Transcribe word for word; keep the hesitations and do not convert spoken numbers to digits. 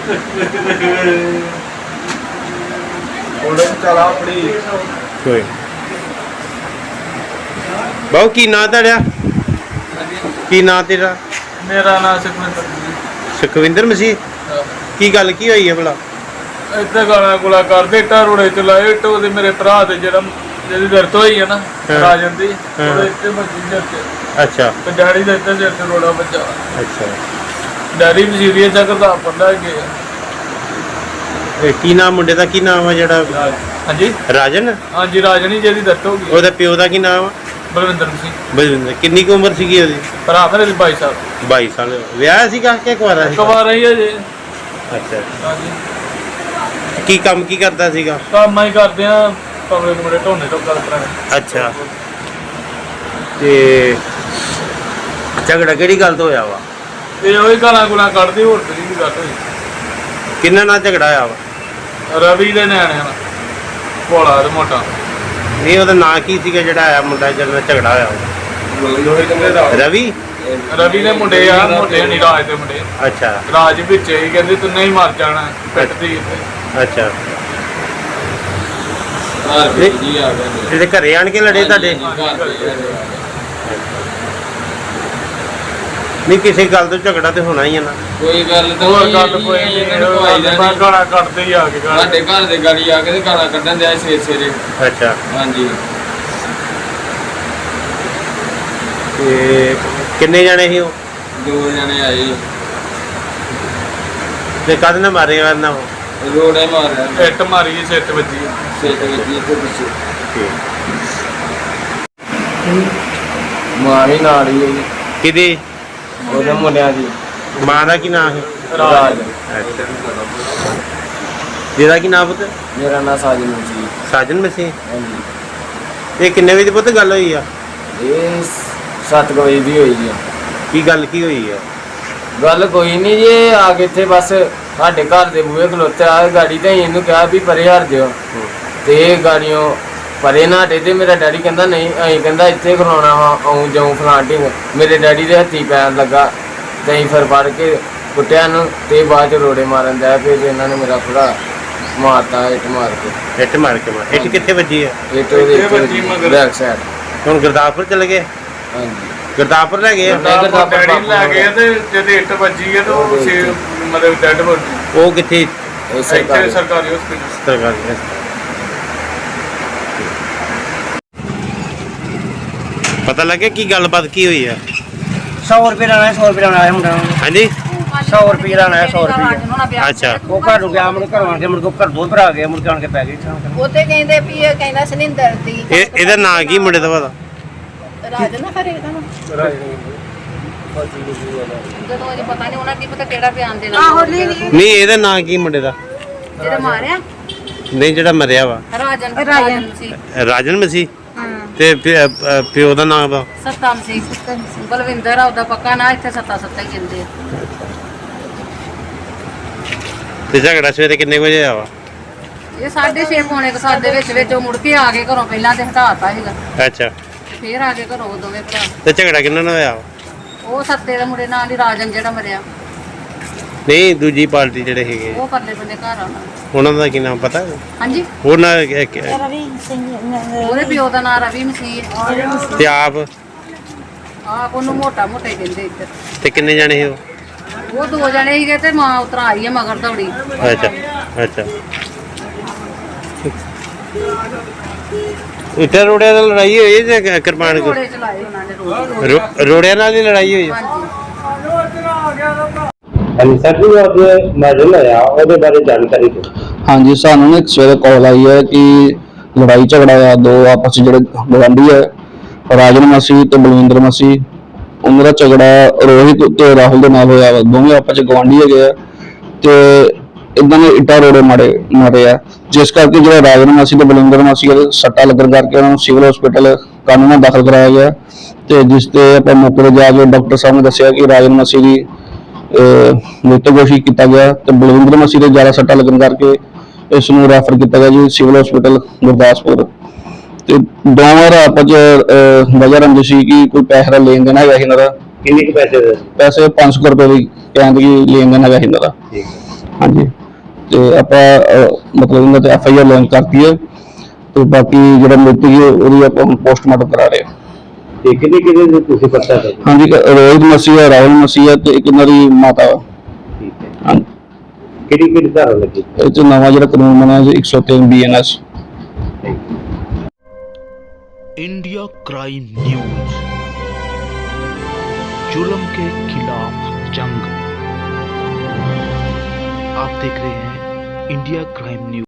चला अपनी कोई बहु की ना तेरा की ना तेरा? मेरा नाम सुखविंदर सुखविंदर मसीह की गल की हुई है भला? इतना गाला गुला करते इट्टा रोड़े चलाए इट्ट ओहदे मेरे भरा दे जेड़ा जेदी दर्द होई है ना राजन दी ओहदे इट्टे मजी जते। अच्छा ते डैडी दे इट्टे सिर ते रोड़ा बच्चा। अच्छा डैडी भी सीरियस है करदा पढ़दा गया। ए की नाम मुंडे दा की नाम है जेड़ा? हां जी राजन। हां जी राजन ही जेदी दर्द हो गई। ओहदा प्यो दा की नाम है? बलविंदर सिंह। बलविंदर कितनी की उम्र सीगी ओदी? भरा मेरे बाईस साल। बाईस साल विआह सीगा कि कुंवारा सी? कुंवारा ही है जी। अच्छा हां जी की काम की करदा सीगा? काम ही करदे आ कमरे कमरे ढोने तो गल कराने। अच्छा ते झगड़ा केड़ी गल तो होया वा? ये ओही गाला गुला कढदी होर कोई भी गल होई। किन्ना ना झगड़ा होया वा? रवि दे न्याणे नाल भोला ते मोटा। नहीं ओहदा नाम की सीगा जेड़ा आया मुंडा जिस नाल झगड़ा होया वा? रवि रवि दे मुंडे आ मोटे नहीं राज दे मुंडे। अच्छा राज विच ही कहंदे तू नहीं मर जाना पिटदी। अच्छा हार भी जी आ गए ਇਹਦੇ ਘਰੇ ਆਣ ਕੇ ਲੜੇ ਤੁਹਾਡੇ? ਨਹੀਂ ਕਿਸੇ ਗੱਲ ਤੋਂ ਝਗੜਾ ਤੇ ਹੋਣਾ ਹੀ ਹੈ ਨਾ। ਕੋਈ ਗੱਲ ਤਾਂ ਹੋਰ ਗੱਲ ਕੋਈ ਨਹੀਂ ਮੈਂ ਗਾਲਾਂ ਕੱਢਦੇ ਹੀ ਆ ਕੇ ਗਾਲਾਂ। ਸਾਡੇ ਘਰ ਦੇ ਗਾੜੀ ਆ ਕੇ ਤੇ ਗਾਲਾਂ ਕੱਢਣ ਦਿਆ ਸਵੇਰੇ ਸਵੇਰੇ। ਅੱਛਾ ਹਾਂਜੀ ਤੇ ਕਿੰਨੇ ਜਣੇ ਸੀ ਉਹ? ਦੋ ਜਣੇ ਆਏ ਤੇ ਕਦ ਨਾ ਮਾਰੇ ਕਰਨਾ ਉਹ? ਰੋੜੇ ਮਾਰਿਆ ਇੱਟ ਮਾਰੀ ਸਿਰ ਤੇ ਵੱਜੀ। ਸਿਰ ਤੇ ਵੱਜੀ ਤੇ ਪਿੱਛੇ ਠੀਕ ਮਾਂ ਵੀ ਨਾਲ ਹੀ ਹੋਈ ਕਿਹਦੀ? ਉਹਦੇ ਮੁੰਡਿਆਂ ਦੀ। ਮਾਂ ਦਾ ਕੀ ਨਾਮ ਹੈ? ਰਾਜ। ਅੱਛਾ ਜਿਹਦਾ ਕੀ ਨਾਮ ਪੁੱਤ? ਮੇਰਾ ਨਾਂ ਸਾਜਨ ਸੀ। ਸਾਜਨ ਮਸੀਹ। ਹਾਂਜੀ ਇਹ ਕਿੰਨੇ ਵਜੇ ਦੀ ਪੁੱਤ ਗੱਲ ਹੋਈ ਆ? ਇਹ ਸੱਤ ਕੁ ਵਜੇ ਦੀ ਹੋਈ ਜੀ। ਕੀ ਗੱਲ ਕੀ ਹੋਈ ਆ? ਗੱਲ ਕੋਈ ਨਹੀਂ ਜੀ ਆ ਕੇ ਇੱਥੇ ਬਸ ਸਾਡੇ ਘਰ ਦੇ ਬੂਹੇ ਖਲੋਤੇ ਆ ਗਾੜੀ ਤੇ ਇਹਨੂੰ ਕਿਹਾ ਵੀ ਪਰੇ ਹਟ ਜਿਓ ਤੇ ਇਹ ਗਾੜੀਆਂ ਪਰੇ ਨਾ ਹਟੇ ਤੇ ਮੇਰਾ ਡੈਡੀ ਕਹਿੰਦਾ ਨਹੀਂ ਅਸੀਂ ਕਹਿੰਦਾ ਇੱਥੇ ਖਲੋਣਾ ਵਾ ਆਉਂ ਜਾਉਂ ਫਲਾਂਟਿੰਗ। ਮੇਰੇ ਡੈਡੀ ਦੇ ਹੱਥੀ ਪੈਣ ਲੱਗਾ ਤੇ ਅਸੀਂ ਫਿਰ ਫੜ ਕੇ ਕੁੱਟਿਆ ਨੂੰ ਤੇ ਬਾਅਦ ਚ ਰੋੜੇ ਮਾਰਨ ਦਾ ਫਿਰ ਇਹਨਾਂ ਨੇ ਮੇਰਾ ਭਰਾ ਮਾਰਤਾ ਇੱਟ ਮਾਰ ਕੇ। ਇੱਟ ਮਾਰ ਕੇ ਮਾਰ? ਇੱਟ ਕਿੱਥੇ ਵੱਜੀ ਆ? ਇੱਟ ਉਹਦੇ ਬੈਕ ਸਾਈਡ। ਹੁਣ ਗੁਰਦਾਸਪੁਰ ਚਲੇ ਗਏ? ਹਾਂਜੀ ਗੁਰਦਾਸਪੁਰ ਲੈ ਗਏ? ਡੈਡੀ ਲੈ ਗਏ ਤੇ ਜਦ ਇੱਟ ਵੱਜੀ ਹੈ ਤੇ ਉਹ ਸੇ ਮਤਲਬ ਡੈਡ ਹੋ ਗਈ। ਉਹ ਕਿੱਥੇ? ਇਹ ਇੱਥੇ ਸਰਕਾਰੀ ਸਰਕਾਰੀ ਹਸਪੀਟਲ। ਸਰਕਾਰੀ। ਪਤਾ ਲੱਗਿਆ ਕੀ ਗੱਲਬਾਤ ਕੀ ਹੋਈ ਹੈ? सौ रुपये लाना है, सौ रुपये लाना है मुंडा। हाँ जी सौ रुपये लाना है, सौ रुपये। अच्छा वो घर गया मुड़ घर आके मुड़ को घर बहुत भरा गया मुड़ के आके पै गई। ਉਹਤੇ ਕਹਿੰਦੇ ਵੀ ਇਹ ਕਹਿੰਦਾ ਸਨਿੰਦਰ ਦੀ ਇਹ ਇਹਦਾ ਨਾਂ ਕੀ ਮੁੰਡੇ ਦਾ ਪਤਾ? ਰਾਜ ਨਾ ਖਰੇ ਦਾ ਨਾ ਜਦੋਂ ਅਜੇ ਪਤਾ ਨਹੀਂ ਉਹਨਾਂ ਕੀ ਪਤਾ ਕਿਹੜਾ ਬਿਆਨ ਦੇਣਾ। ਆਹੋ ਨਹੀਂ ਨਹੀਂ ਨਹੀਂ ਇਹਦਾ ਨਾਂ ਕੀ ਮੁੰਡੇ ਦਾ? ਜਿਹੜਾ ਮਾਰਿਆ ਨਹੀਂ ਜਿਹੜਾ ਮਰਿਆ ਵਾ? ਰਾਜਨ ਰਾਜਨ ਸੀ। ਰਾਜਨ ਮਸੀਹ। ਹਾਂ ਤੇ ਪਿਓ ਦਾ ਨਾਮ ਵਾ? ਸਤਨਾਮ ਸੀ। ਬਲਵਿੰਦਰ ਆ ਉਹਦਾ ਪੱਕਾ ਨਾ ਇੱਥੇ ਸੱਤਾ ਸੱਤਾ ਹੀ ਕਹਿੰਦੇ ਆ। ਤੇ ਝਗੜਾ ਸਵੇਰੇ ਕਿੰਨੇ ਵਜੇ ਆ ਵਾ? ਇਹ ਸਾਢੇ ਛੇ ਪੌਣੇ ਕੁ ਸੱਤ ਦੇ ਵਿੱਚ ਵਿੱਚ ਉਹ ਮੁੜ ਕੇ ਆ ਗਏ ਘਰੋਂ। ਪਹਿਲਾਂ ਤੇ ਹਟਾਤਾ ਸੀਗਾ ਅੱਛਾ ਫੇਰ ਆ ਕੇ ਘਰੋਂ ਦੋਵੇਂ ਭਰਾ। ਤੇ ਝਗੜਾ ਕਿੰਨਾ ਨਾਲ ਹੋਇਆ ਵਾ? ਉਹ ਸੱਤੇ ਦੇ ਮੁੰਡੇ ਨਾਲ ਹੀ ਰਾਜਨ ਜਿਹੜਾ ਮਰਿਆ ਨਹੀਂ ਦੂਜੀ ਪਾਰਟੀ ਜਿਹੜੇ ਹੈਗੇ ਉਹ ਪਰਲੇ ਬੰਦੇ ਘਰ ਆਉਣਾ। ਉਹਨਾਂ ਦਾ ਕੀ ਨਾਮ ਪਤਾ? ਹਾਂਜੀ ਉਹਨਾਂ ਉਹਦੇ ਪਿਓ ਦਾ ਨਾਂ ਰਵੀ ਮਸੀਹ। ਤੇ ਆਪ ਆਪ ਉਹਨੂੰ ਮੋਟਾ ਮੋਟਾ ਹੀ ਕਹਿੰਦੇ ਇੱਧਰ। ਤੇ ਕਿੰਨੇ ਜਾਣੇ ਸੀ ਉਹ? ਉਹ ਦੋ ਜਣੇ ਸੀਗੇ ਤੇ ਮਾਂ ਉਤਰ ਆਈ ਹੈ ਮਗਰ ਦੌੜੀ। ਅੱਛਾ ਅੱਛਾ ਇੱਟਾਂ ਰੋੜਿਆਂ ਨਾਲ ਲੜਾਈ ਹੋਈ ਹੈ ਜਾਂ ਕਿਰਪਾਨ ਕੋ? ਰੋੜੇ ਚਲਾਏ ਉਹਨਾਂ ਨੇ ਰੋੜੇ। ਰੋੜਿਆਂ ਨਾਲ ਹੀ ਲੜਾਈ ਹੋਈ ਹੈ? ਹਾਂਜੀ ਹਾਂਜੀ ਸਰ ਜੀ ਅੱਜ ਮਰਡਰ ਹੋਇਆ ਉਹਦੇ ਬਾਰੇ ਜਾਣਕਾਰੀ ਦਿਓ। ਹਾਂਜੀ ਸਾਨੂੰ ਇੱਕ ਸਵੇਰੇ ਕਾਲ ਆਈ ਹੈ ਕਿ ਲੜਾਈ ਝਗੜਾ ਆ ਦੋ ਆਪਸ ਚ ਜਿਹੜੇ ਗਵਾਂਢੀ ਹੈ ਰਾਜਨ ਮਸੀਹ ਤੇ ਬਲਵਿੰਦਰ ਮਸੀਹ ਉਹਨਾਂ ਦਾ ਝਗੜਾ ਰੋਹਿਤ ਤੇ ਰਾਹੁਲ ਦੇ ਨਾਲ ਹੋਇਆ ਵਾ। ਦੋਵੇਂ ਆਪਸ ਚ ਗਵਾਂਢੀ ਹੈਗੇ ਆ ਤੇ ਇਦਾਂ ਦੇ ਇੱਟਾਂ ਰੋੜੇ ਮਾਰੇ ਮਾਰੇ ਆ ਜਿਸ ਕਰਕੇ ਜਿਹੜਾ ਰਾਜਨ ਮਸੀਹ ਤੇ ਬਲਵਿੰਦਰ ਮਸੀਹ ਦੇ ਸੱਟਾ ਲੱਗਣ ਕਰਕੇ ਉਹਨਾਂ ਨੂੰ ਸਿਵਲ ਹਸਪੀਟਲ ਕਾਨੂੰਨਾਂ ਦਾਖਲ ਕਰਾਇਆ ਗਿਆ ਤੇ ਜਿਸ ਤੇ ਆਪਾਂ ਮੌਕੇ ਤੇ ਜਾ ਕੇ ਡਾਕਟਰ ਸਾਹਿਬ ਨੇ ਦੱਸਿਆ ਕਿ ਰਾਜਨ ਮਸੀਹ ਦੀ ਮ੍ਰਿਤਕ ਘੋਸ਼ਿਤ ਕੀਤਾ ਗਿਆ ਤੇ ਬਲਵਿੰਦਰ ਮਸੀਹ ਦੇ ਜ਼ਿਆਦਾ ਸੱਟਾ ਲੱਗਣ ਕਰਕੇ ਇਸ ਨੂੰ ਰੈਫਰ ਕੀਤਾ ਗਿਆ ਜੀ ਸਿਵਲ ਹਸਪੀਟਲ ਗੁਰਦਾਸਪੁਰ। ਤੇ ਦੋਵਾਂ ਦਾ ਆਪਸ ਚ ਵਜ੍ਹਾ ਰੰਜਿਸ਼ ਸੀ ਕਿ ਕੋਈ ਪੈਸੇ ਦਾ ਲੈਣ ਦੇਣ ਹੈਗਾ ਇਹਨਾਂ ਦਾ। ਕਿੰਨੇ ਕੁ ਪੈਸੇ ਦੇ? ਪੈਸੇ ਪੰਜ ਸੌ ਰੁਪਏ ਦੀ ਕਹਿੰਦੇ ਕਿ ਲੈਣ ਦੇਣ ਹੈਗਾ ਇਹਨਾਂ ਦਾ। ਹਾਂਜੀ ਤੇ ਆਪਾਂ ਅਹ, ਮਤਲਬ ਇਹਨਾਂ ਤੇ ਐਫ ਆਈ ਆਰ ਲੌਂਚ ਕਰਤੀ ਹੈ ਤੇ ਬਾਕੀ ਜਿਹੜਾ ਮ੍ਰਿਤਕ ਹੈ ਉਹਦੀ ਆਪਾਂ ਹੁਣ ਪੋਸਟਮਾਰਟਮ ਕਰਾ ਰਹੇ ਹਾਂ। ਤੇ ਕਿਹਦੇ ਕਿਹਦੇ ਤੁਸੀਂ ਪਤਾ ਹੈ? ਹਾਂਜੀ ਇੱਕ ਰੋਹਿਤ ਮਸੀਹ ਹੈ, ਰਾਹੁਲ ਮਸੀਹ ਹੈ ਤੇ ਇੱਕ ਇਹਨਾਂ ਦੀ ਮਾਤਾ ਵਾ। ਠੀਕ ਹੈ। ਹਾਂਜੀ ਕਿਹੜੀ ਕਿਹੜੀ ਧਾਰਾ ਲੱਗੀ? ਇਹ 'ਚ ਨਵਾਂ ਜਿਹੜਾ ਕਾਨੂੰਨ ਬਣਿਆ ਜੀ ਇੱਕ ਸੌ ਤਿੰਨ B N S. India crime news, जुल्म के खिलाफ जंग। आप देख रहे हैं इंडिया क्राइम न्यूज।